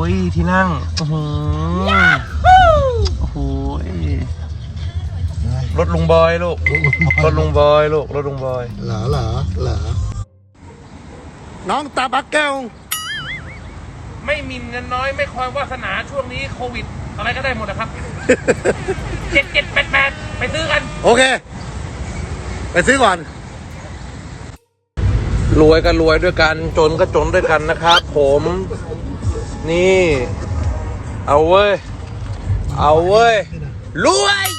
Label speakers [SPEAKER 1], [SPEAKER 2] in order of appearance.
[SPEAKER 1] ยที่นั่งโอ้โหโอ้โหรถลุงบอยลูกรถลุงบอยลูกรถลุงบอย
[SPEAKER 2] เหรอน้องตาบักแก้ว
[SPEAKER 1] ไม่มีเงินน้อยไม่คอยวาสนาช่วงนี้โควิดอะไรก็ได้หมดนะครับ7788ไปซื้อกัน
[SPEAKER 2] โอเคไปซื้อก่อน
[SPEAKER 1] รวยก็รวยด้วยกันจนก็จนด้วยกันนะครับผมนี่เอาเว้ยรวย